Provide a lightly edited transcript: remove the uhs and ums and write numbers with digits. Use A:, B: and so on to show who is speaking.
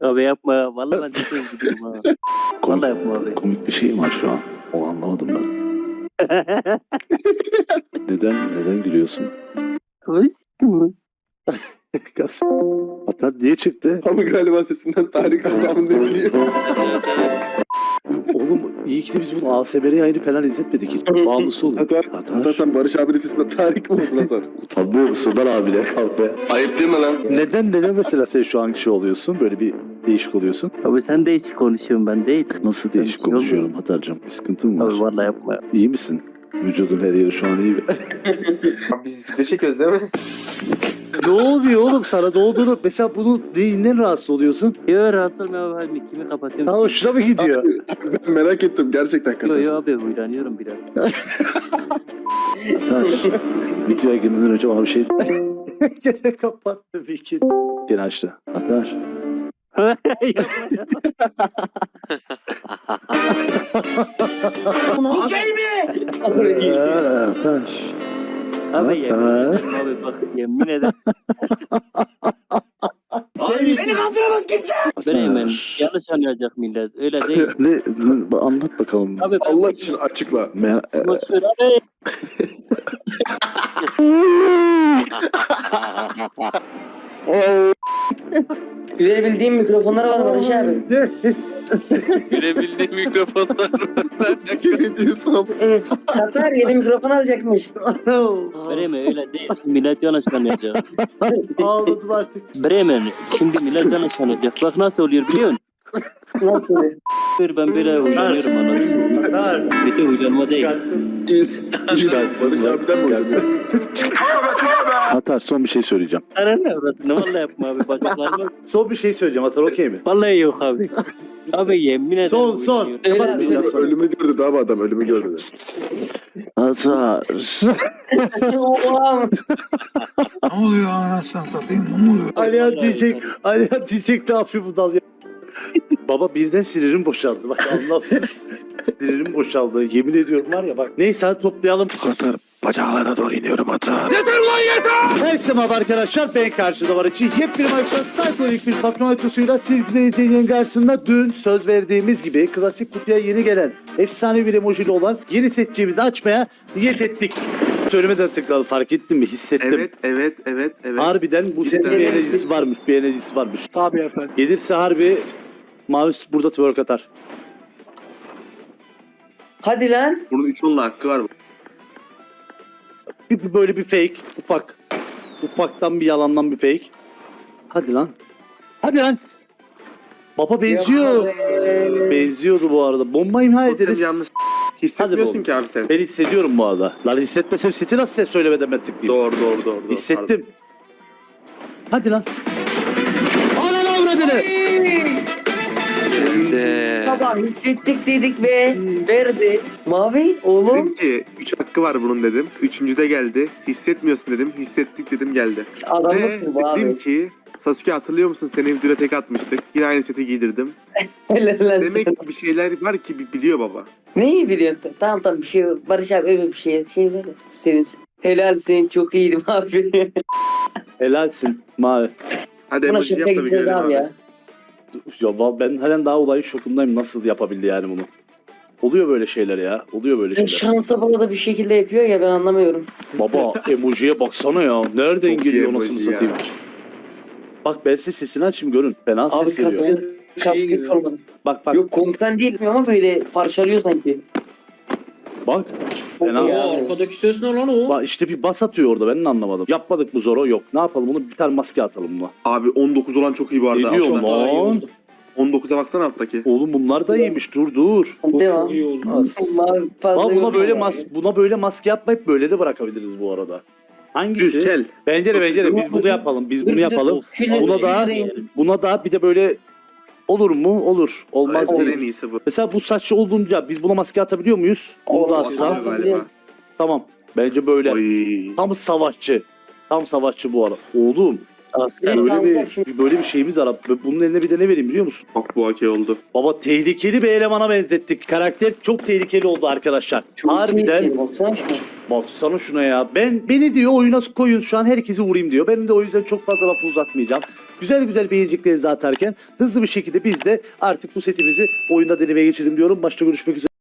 A: Abi yapma ya. Vallahi ben cidden gidiyorum ha. Vallahi yapma abi.
B: Komik bir şey mi var şu an? Onu anlamadım ben. Neden gülüyorsun? Kas. Hatta niye çıktı?
C: Ama galiba sesinden Tarık Allah'ın ne bileyim.
B: Oğlum iyi ki de biz bunu ASMR yayını falan izletmedik. Bağımlısı olun.
C: Hatta sen Barış abinin sesinden Tarık mı oldun Atar?
B: Utanmıyor musun lan abine kalk be.
C: Ayıp değil mi lan?
B: Neden mesela sen şu an şey oluyorsun? Böyle bir değişik oluyorsun.
A: Abi sen değişik konuşuyorsun, ben değil.
B: Nasıl değişik
A: Yok mu?
B: konuşuyorum Hatar'cığım? Bir sıkıntın mı
A: Abi
B: var?
A: vallahi yapma ya.
B: İyi misin? Vücudun her yeri şu an iyi mi?
C: Abi biz video çekiyoruz değil mi?
B: Ne oluyor oğlum sana? Ne olduğunu... Mesela bunu neyinden rahatsız oluyorsun?
A: Yo rahatsız olma abi. Hadi kimi kapatıyorum.
B: Ha hoşuna mı gidiyor?
C: Ben merak ettim gerçekten
A: Yo
C: Katar.
A: yo abi uylanıyorum biraz.
B: Hatar, videoya girmeden önce bana bir şey... Gene kapattı bir iki. Gene açtı. Hatar.
D: Okey mi?
B: Hatar.
A: Abi yemin
B: Hatar.
A: ederim abi bak yemin ederim.
D: Beni kandıramaz kimse.
A: Bremen yanlış anlayacak millet. Öyle değil.
B: Ne, anlat bakalım.
A: Abi ben
C: Allah için açıkla.
A: boşver abi.
E: Gülebildiğim mikrofonlara var Barış abi.
F: Görebildiğim mikrofonlar var.
C: Sikim diyorsun ama.
E: Evet. Katar yeni mikrofon alacakmış.
A: Bremen öyle değil. Şimdi millet yanlış anlayacak.
B: Ağladım artık.
A: Bremen şimdi millet yanlış anlayacak. Bak nasıl oluyor biliyor musun?
E: Nasıl?
A: Ben böyle uylanıyorum anasını.
B: Hatar.
A: Bir de uylanma değil.
C: İz. Barış abiden mi oynadın?
B: Hatar son bir şey söyleyeceğim.
A: Ara ne orasını vallahi yapma abi. Bacaklarıma.
B: Son bir şey söyleyeceğim Hatar okey mi?
A: Vallahi yok abi. Abi yemin ederim.
B: Son.
A: uylanıyorum.
B: Kapatmayacağım sonra.
C: Ölümü gördü daha adam ölümü gördü.
B: Hatar.
E: Oha.
D: Ne oluyor anasını satayım, ne oluyor?
B: Alihan diyecek ne yapıyor bu dal ya? Baba birden sinirim boşaldı. Bak anlamsız. Sinirim boşaldı. Yemin ediyorum var ya bak. Neyse hadi toplayalım. Hatar. Bacaklarına doğru iniyorum Hatar.
D: Yeter lan yeter!
B: Herkese merhaba arkadaşlar. Ben karşıda var için yepyeni maçlar saykolik bir patron açısıyla Silgüler İzleyici'nin karşısında dün söz verdiğimiz gibi klasik kutuya yeni gelen efsane bir emojili olan yeni setçiğimizi açmaya niyet ettik. Söylemeden tıkladım fark ettin mi? Hissettim.
C: Evet.
B: Harbiden bu setin bir enerjisi varmış.
D: Tabii efendim.
B: Gelirse harbi mavi burada twerk atar.
E: Hadi lan.
C: Bunun 3-10'la hakkı var mı?
B: Böyle bir fake. Ufaktan bir yalandan bir fake. Hadi lan. Baba benziyor. Benziyordu bu arada. Bomba imha ederiz.
C: Yanlış.
B: Hadi
C: Hissetmiyorsun
B: oğlum.
C: ki abi sen.
B: Ben hissediyorum bu arada. Lan hissetmesem seti nasıl ses söylemeden ben tıklayayım?
C: Doğru.
B: Hissettim. Hadi lan. Ana lan avradını.
E: Baba hissettik dedik be. Verdi. Mavi oğlum.
G: Dedim ki 3 hakkı var bunun dedim. 3. de geldi. Hissetmiyorsun dedim. Hissettik dedim geldi. Ve
E: Adamlık bu
G: dedim
E: abi.
G: ki Sasuke hatırlıyor musun? Seni videoda tek atmıştık. Yine aynı seti giydirdim.
E: Helal lan
G: Demek
E: sana.
G: ki bir şeyler var ki biliyor baba.
E: Neyi biliyorsun? Tamam bir şey yok. Barış abi öyle bir şey ver. Senin helal senin çok iyiydim abi.
B: Helalsin mavi.
G: Hadi
E: Buna
G: emoji
E: şaka
G: yap da bir
E: gideceğiz
G: görelim
E: abi
G: abi.
E: ya.
B: Ben halen daha olayın şokundayım. Nasıl yapabildi yani bunu? Oluyor böyle şeyler ya.
E: Şansa bağlı da bir şekilde yapıyor ya ben anlamıyorum.
B: Baba emojiye baksana ya. Nereden
G: Çok
B: geliyor
G: iyi
B: anasını
G: emoji ya.
B: satayım. Bak ben size sesini açayım görün. Fena
E: Abi
B: ses veriyor.
E: kaskı
D: gibi.
E: olmadı.
B: Bak
E: Yok komutan değil ama böyle parçalıyor sanki.
B: bak. Fena.
E: Ya.
D: Arkadaki ses ne lan o?
B: Bak işte bir bas atıyor orada ben de anlamadım. Yapmadık mı Zoro? Yok. Ne yapalım bunu? Bir tane maske atalım buna.
G: Abi 19 olan çok iyi bu arada.
B: Ne diyor
G: Aslında
B: lan?
G: 19'a baksana alttaki.
B: Oğlum bunlar da iyiymiş. Dur.
E: Devam.
D: Çok iyi oldu.
E: Mavi fazla
B: Buna
E: yok
B: böyle
E: ama.
B: buna böyle maske yapmayıp böyle de bırakabiliriz bu arada. Hangisi?
G: Düz kel.
B: Bence biz bunu yapalım. Biz bunu yapalım. Buna da bir de böyle olur mu? Olur. Olmaz
G: Evet, en
B: değil.
G: iyisi bu.
B: Mesela bu saçlı olunca biz buna maske atabiliyor muyuz? Bunu da
E: Olmaz.
B: atsam.
G: Galiba.
B: Tamam. Bence böyle.
G: Oy.
B: Tam savaşçı. Tam savaşçı bu arada. Oğlum
A: Asker.
B: böyle bir şeyimiz var. Bunun eline bir de ne vereyim biliyor musun?
G: Bak bu okey oldu.
B: Baba tehlikeli bir elemana benzettik. Karakter çok tehlikeli oldu arkadaşlar. Harbiden
E: Baksana şuna.
B: Baksana şuna ya. Beni diyor oyuna koyun şu an herkesi vurayım diyor. Benim de o yüzden çok fazla lafı uzatmayacağım. Güzel güzel beğeneceklerinizi atarken hızlı bir şekilde biz de artık bu setimizi oyunda denemeye geçelim diyorum. Başta görüşmek üzere.